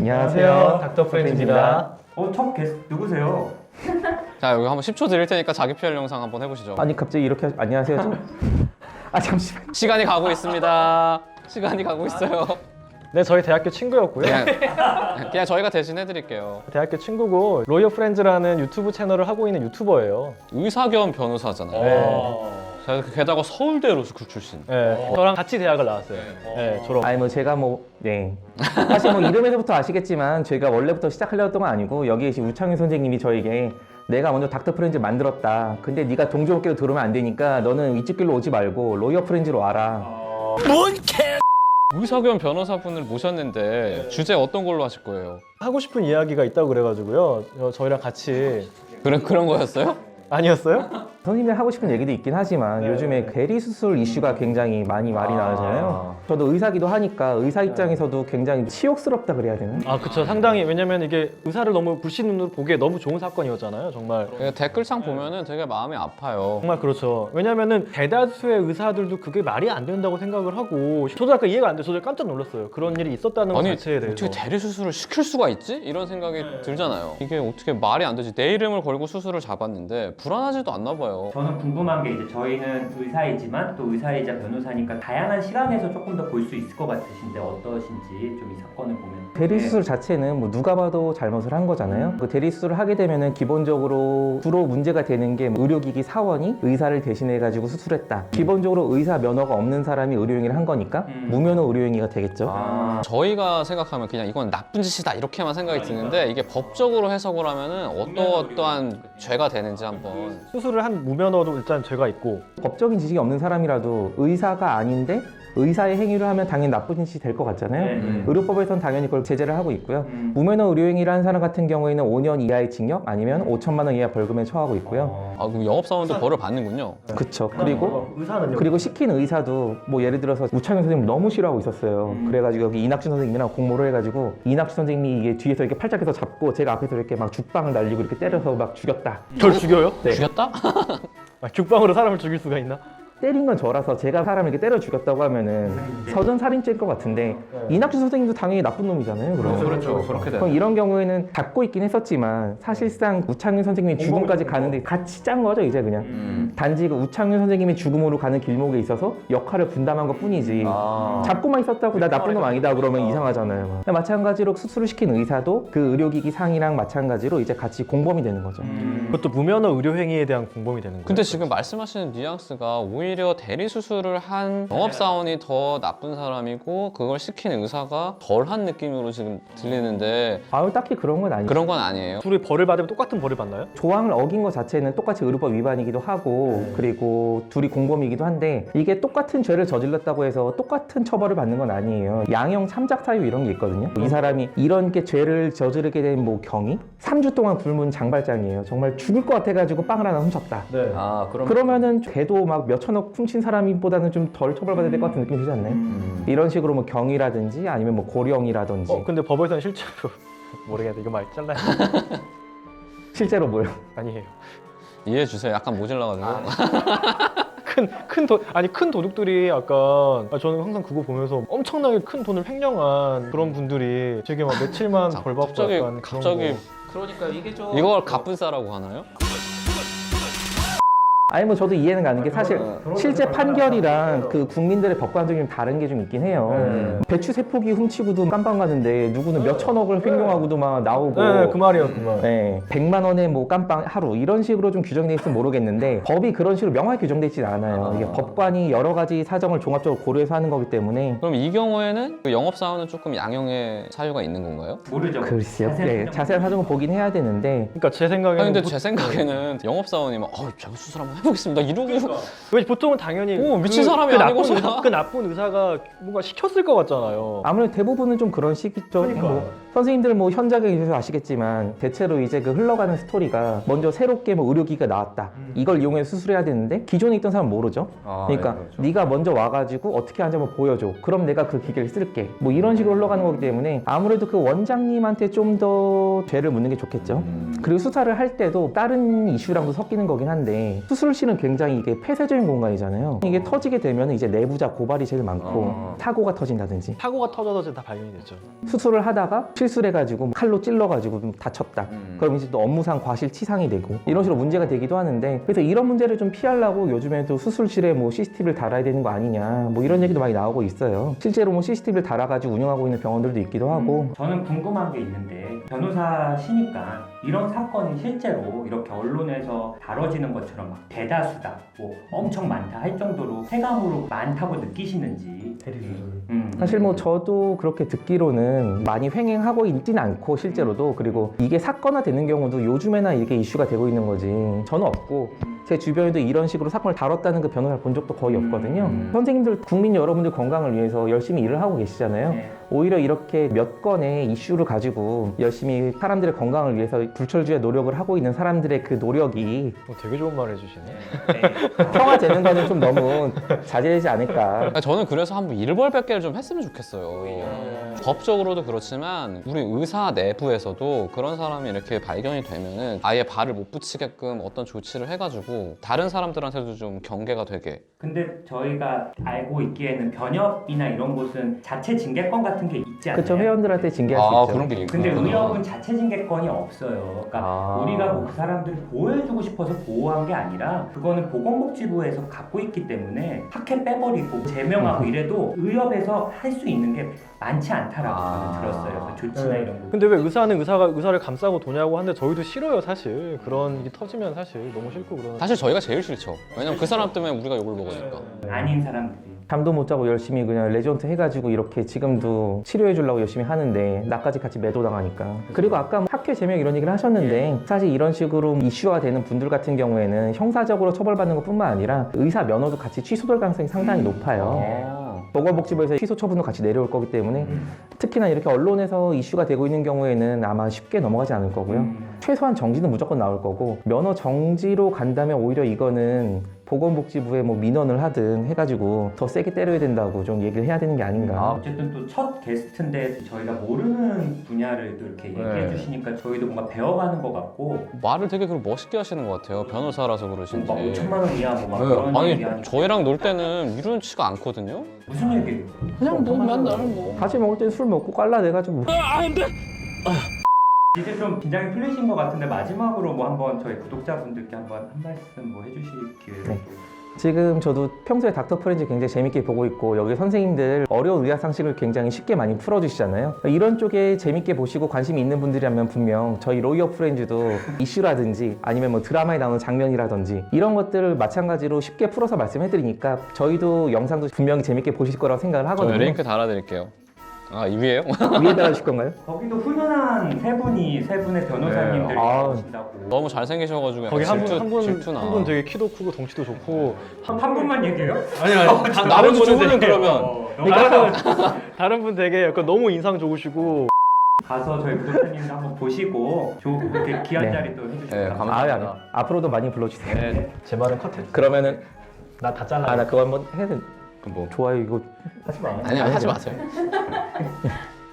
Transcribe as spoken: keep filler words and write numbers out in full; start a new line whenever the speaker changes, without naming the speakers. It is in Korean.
안녕하세요, 닥터 프렌즈입니다.
어, 첫 게스트 누구세요?
자, 여기 한번 십 초 드릴 테니까 자기 피알 영상 한번 해보시죠.
아니 갑자기 이렇게 하... 안녕하세요. 저... 아 잠시만.
시간이 가고 있습니다. 시간이 가고 있어요.
네, 저희 대학교 친구였고요.
그냥, 그냥 저희가 대신 해드릴게요.
대학교 친구고 로이어 프렌즈라는 유튜브 채널을 하고 있는 유튜버예요.
의사 겸 변호사잖아요.
네.
자, 게다가 서울대 로스쿨 출신.
네, 저랑 같이 대학을 나왔어요. 네, 졸업.
아니 뭐 제가 뭐 네. 사실 뭐 이름에서부터 아시겠지만 저희가 원래부터 시작하려고 했던 건 아니고 여기 계신 우창윤 선생님이 저에게 내가 먼저 닥터 프렌즈 만들었다. 근데 네가 동종업계로 들어오면 안 되니까 너는 이쪽 길로 오지 말고 로이어 프렌즈로 와라.
뭔 개! 의사 겸 변호사분을 모셨는데 주제 어떤 걸로 하실 거예요?
하고 싶은 이야기가 있다고 그래가지고요. 어, 저희랑 같이
그런 그런 거였어요?
아니었어요?
선생님이 하고 싶은 얘기도 있긴 하지만 네. 요즘에 대리수술 이슈가 굉장히 많이 말이
아.
나잖아요. 저도 의사기도 하니까 의사 입장에서도 굉장히 치욕스럽다 그래야 되나?
아, 그쵸. 상당히 왜냐면 이게 의사를 너무 불신 눈으로 보기에 너무 좋은 사건이었잖아요. 정말.
댓글창 보면은 되게 마음이 아파요.
정말 그렇죠. 왜냐면은 대다수의 의사들도 그게 말이 안 된다고 생각을 하고 저도 약간 이해가 안 돼서 저도 깜짝 놀랐어요. 그런 일이 있었다는 것
아니
자체에 대해서.
어떻게 대리 수술을 시킬 수가 있지? 이런 생각이 들잖아요. 이게 어떻게 말이 안 되지? 내 이름을 걸고 수술을 잡았는데 불안하지도 않나 봐요.
저는 궁금한 게 이제 저희는 의사이지만 또 의사이자 변호사니까 다양한 시각에서 조금 더 볼 수 있을 것 같으신데 어떠신지 좀 이 사건을 보면.
대리수술 자체는 뭐 누가 봐도 잘못을 한 거잖아요. 그 대리수술을 하게 되면은 기본적으로 주로 문제가 되는 게 의료기기 사원이 의사를 대신해 가지고 수술했다. 기본적으로 의사 면허가 없는 사람이 의료행위를 한 거니까
음.
무면허 의료행위가 되겠죠.
아,
저희가 생각하면 그냥 이건 나쁜 짓이다 이렇게만 생각이 드는데 이게 법적으로 해석을 하면은 어떠어떠한 죄가 되는지 한번.
수술을 한 무면허도 일단 죄가 있고
법적인 지식이 없는 사람이라도 의사가 아닌데 의사의 행위를 하면 당연히 나쁜 짓이 될 것 같잖아요.
네, 네.
의료법에서는 당연히 그걸 제재를 하고 있고요.
음.
무면허 의료행위를 한 사람 같은 경우에는 오 년 이하의 징역 아니면 오천만 원 이하 벌금에 처하고 있고요.
어.
아, 그럼 영업사원도 벌을 받는군요.
그쵸. 그리고
의사는요?
그리고 시킨 의사도 뭐 예를 들어서 우창현 선생님 너무 싫어하고 있었어요.
음.
그래가지고 여기 이낙준 선생님이랑 공모를 해가지고 이낙준 선생님이 이게 뒤에서 이렇게 팔짝해서 잡고 제가 앞에서 이렇게 막 죽방을 날리고 이렇게 때려서 막 죽였다.
절 죽여요?
네.
죽였다?
아, 죽방으로 사람을 죽일 수가 있나?
때린 건 저라서 제가 사람을 이렇게 때려 죽였다고 하면은 서전 살인죄일 것 같은데 이낙준 선생님도 당연히 나쁜 놈이잖아요. 그럼.
그렇죠. 그렇게
그럼 이런 경우에는 잡고 있긴 했었지만 사실상 우창윤 선생님이 죽음까지 가는데 같이 짠 거죠 이제 그냥.
음.
단지 그 우창윤 선생님이 죽음으로 가는 길목에 있어서 역할을 분담한 것 뿐이지
아.
잡고만 있었다고 나 나쁜 놈 아니다 그러면 이상하잖아요. 마찬가지로 수술을 시킨 의사도 그 의료기기 상이랑 마찬가지로 이제 같이 공범이 되는 거죠.
음.
그것도 무면허 의료행위에 대한 공범이 되는 거예요.
근데 지금 말씀하시는 뉘앙스가 오히려 대리 수술을 한 영업사원이 더 나쁜 사람이고 그걸 시킨 의사가 덜한 느낌으로 지금 들리는데
아유 딱히 그런 건 아니죠.
그런 건 아니에요.
둘이 벌을 받으면 똑같은 벌을 받나요?
조항을 어긴 것 자체는 똑같이 의료법 위반이기도 하고 그리고 둘이 공범이기도 한데 이게 똑같은 죄를 저질렀다고 해서 똑같은 처벌을 받는 건 아니에요. 양형 참작 사유 이런 게 있거든요. 이 사람이 이런 게 죄를 저지르게 된 뭐 경위 삼 주 동안 굶은 장발장이에요. 정말 죽을 것 같아가지고 빵을 하나 훔쳤다.
네.
아, 그럼
그러면은 걔도 막 몇천억 훔친 사람보다는 좀 덜 처벌받아야 될 것 같은 느낌이 들지 않나요?
음.
이런 식으로 뭐 경이라든지 아니면 뭐 고령이라든지
어, 근데 법에서는 실제로 모르겠네. 이거 말 잘라야 돼.
실제로 뭐요?
아니에요.
이해해 주세요. 약간 모질라가지고.
큰, 큰 돈, 아니 큰 도둑들이 약간 아, 저는 항상 그거 보면서 엄청나게 큰 돈을 횡령한 그런 분들이 되게 막 며칠만
자,
벌 받고
갑자기
약간 그런
갑자기
거.
그러니까 이게 좀
이걸 갑분싸라고 하나요?
아니 뭐 저도 이해는 가는 게 사실 실제 판결이랑 그 국민들의 법관적이 좀 다른 게 좀 있긴 해요.
네.
배추 세 포기 훔치고도 깜빵 가는데 누구는 몇 천억을 횡령하고도 막 나오고
네, 그 말이에요, 그 말.
네, 백만 원에 뭐 깜빵 하루 이런 식으로 좀 규정돼 있으면 모르겠는데 법이 그런 식으로 명확히 규정돼 있지 않아요. 이게 법관이 여러 가지 사정을 종합적으로 고려해서 하는 거기 때문에
그럼 이 경우에는 그 영업사원은 조금 양형의 사유가 있는 건가요?
모르죠.
글쎄요.
자세한
네,
사정.
자세한 사정을 보긴 해야 되는데
그러니까 제 생각에는
아니 근데
보-
제 생각에는 영업사원이 막 어, 제가 수술 한번 해보겠습니다 이러고
왜 보통은 당연히
오, 미친
그,
사람이
그 나쁜
아니고서야.
의사, 그 나쁜 의사가 뭔가 시켰을 것 같잖아요.
아무래도 대부분은 좀 그런 식이죠.
그러니까.
뭐 선생님들 뭐 현장에 계셔서 아시겠지만 대체로 이제 그 흘러가는 스토리가 먼저 새롭게 뭐 의료기기가 나왔다. 이걸 이용해서 수술해야 되는데 기존에 있던 사람은 모르죠.
아,
그러니까
네, 그렇죠.
네가 먼저 와가지고 어떻게 하는지 한번 보여줘. 그럼 내가 그 기계를 쓸게. 뭐 이런 식으로 흘러가는 거기 때문에 아무래도 그 원장님한테 좀 더 죄를 묻는 게 좋겠죠.
음.
그리고 수사를 할 때도 다른 이슈랑도 섞이는 거긴 한데 수술실은 굉장히 이게 폐쇄적인 공간이잖아요. 이게 터지게 되면 이제 내부자 고발이 제일 많고
아.
사고가 터진다든지
사고가 터져서 이제 다 발견이 됐죠.
수술을 하다가 실수를 해가지고 칼로 찔러가지고 좀 다쳤다.
음.
그럼 이제 또 업무상 과실치상이 되고 이런 식으로 문제가 되기도 하는데 그래서 이런 문제를 좀 피하려고 요즘에도 수술실에 뭐 씨씨티비를 달아야 되는 거 아니냐 뭐 이런 얘기도 많이 나오고 있어요. 실제로 뭐 씨씨티비를 달아가지고 운영하고 있는 병원들도 있기도 하고
음, 저는 궁금한 게 있는데 변호사시니까 이런 사건이 실제로 이렇게 언론에서 다뤄지는 것처럼 막 대다수다, 뭐 엄청 많다 할 정도로 체감으로 많다고 느끼시는지.
대리수술.
음.
사실 뭐 저도 그렇게 듣기로는 많이 횡행하고 있진 않고 실제로도 그리고 이게 사건화 되는 경우도 요즘에나 이게 이슈가 되고 있는 거지 저는 없고 제 주변에도 이런 식으로 사건을 다뤘다는 그 변호사를 본 적도 거의 없거든요.
음.
선생님들 국민 여러분들 건강을 위해서 열심히 일을 하고 계시잖아요.
네.
오히려 이렇게 몇 건의 이슈를 가지고 열심히 사람들의 건강을 위해서 불철주야 노력을 하고 있는 사람들의 그 노력이
어, 되게 좋은 말 해주시네.
네.
평화되는 거는 좀 너무 자제되지 않을까.
그러니까 저는 그래서 한번 일벌백계를 좀 했으면 좋겠어요.
오히려.
법적으로도 그렇지만 우리 의사 내부에서도 그런 사람이 이렇게 발견이 되면은 아예 발을 못 붙이게끔 어떤 조치를 해가지고 다른 사람들한테도 좀 경계가 되게.
근데 저희가 알고 있기에는 변협이나 이런 곳은 자체 징계권 같은 게 있지 않나요?
그쵸, 회원들한테 징계할 수
아
있죠.
그런 게 있구나.
근데 의협은 자체 징계권이 없어요. 그러니까
아.
우리가 뭐 그 사람들을 보호해주고 싶어서 보호한 게 아니라 그거는 보건복지부에서 갖고 있기 때문에 학회 빼버리고 제명하고 이래도 의협에서 할 수 있는 게 많지 않다라고
아.
저는 들었어요. 그 조치나
네.
이런 거.
근데 왜 의사는 의사가 의사를 감싸고 도냐고 하는데 저희도 싫어요 사실. 그런 일이 터지면 사실 너무 싫고 그러는.
사실 저희가 제일 싫죠. 왜냐면 그 사람 때문에 우리가 욕을 먹으니까.
아닌 사람들이.
잠도 못 자고 열심히 그냥 레지던트 해가지고 이렇게 지금도 치료해 주려고 열심히 하는데 나까지 같이 매도당하니까. 그리고 아까 뭐 학회 제명 이런 얘기를 하셨는데 사실 이런 식으로 이슈화 되는 분들 같은 경우에는 형사적으로 처벌받는 것뿐만 아니라 의사 면허도 같이 취소될 가능성이 상당히 높아요.
아.
보건복지부에서 취소 처분도 같이 내려올 거기 때문에 특히나 이렇게 언론에서 이슈가 되고 있는 경우에는 아마 쉽게 넘어가지 않을 거고요.
음.
최소한 정지는 무조건 나올 거고 면허 정지로 간다면 오히려 이거는 보건복지부에 뭐 민원을 하든 해가지고 더 세게 때려야 된다고 좀 얘기를 해야 되는 게 아닌가.
아,
어쨌든 또 첫 게스트인데 저희가 모르는 분야를 또 이렇게 얘기해
네.
주시니까 저희도 뭔가 배워가는 것 같고
말을 되게 그리고 멋있게 하시는 것 같아요. 변호사라서 그러신지.
막 오천만 원 이하 뭐막
네.
그런
아니
얘기하니까
저희랑 놀 때는 이런치가 않거든요.
무슨 얘기예요?
그냥 뭐 맨날 뭐.
같이 먹을 때 술 먹고 깔라내가지고
이제 좀 긴장이 풀리신 것 같은데 마지막으로 뭐 한번 저희 구독자분들께 한번 한 말씀 뭐 해주실 기회를
네. 지금 저도 평소에 닥터 프렌즈 굉장히 재밌게 보고 있고 여기 선생님들 어려운 의학 상식을 굉장히 쉽게 많이 풀어주시잖아요. 이런 쪽에 재밌게 보시고 관심이 있는 분들이라면 분명 저희 로이어 프렌즈도 이슈라든지 아니면 뭐 드라마에 나오는 장면이라든지 이런 것들을 마찬가지로 쉽게 풀어서 말씀해드리니까 저희도 영상도 분명히 재밌게 보실 거라고 생각을 하거든요.
저 링크 달아드릴게요. 아 이 위에요?
위에다가 주실 건가요?
거기도 훈훈한 세 분이 세 분의 변호사님들이
네. 아.
나오신다고
너무 잘생기셔가지고
거기
약간
한 분
질투,
한 분
질투나.
한 분 되게 키도 크고 덩치도 좋고
한, 한 분만 얘기해요?
아니 아니
다 나머지 두 분은 그러면
어,
다른 다른 분 되게 약간 너무 인상 좋으시고
가서 저희 구독자님도 한번 보시고 조, 이렇게 귀한
네.
자리 또 해주셔서
네,
감사합니다.
감사합니다.
아, 아, 앞으로도 많이 불러주세요.
네.
제 말은 컷해.
그러면은
나 다 잘라.
아 나 그거 한번 해야 돼.
뭐.
좋아요 이거
하지 마.
아니 하지 마세요.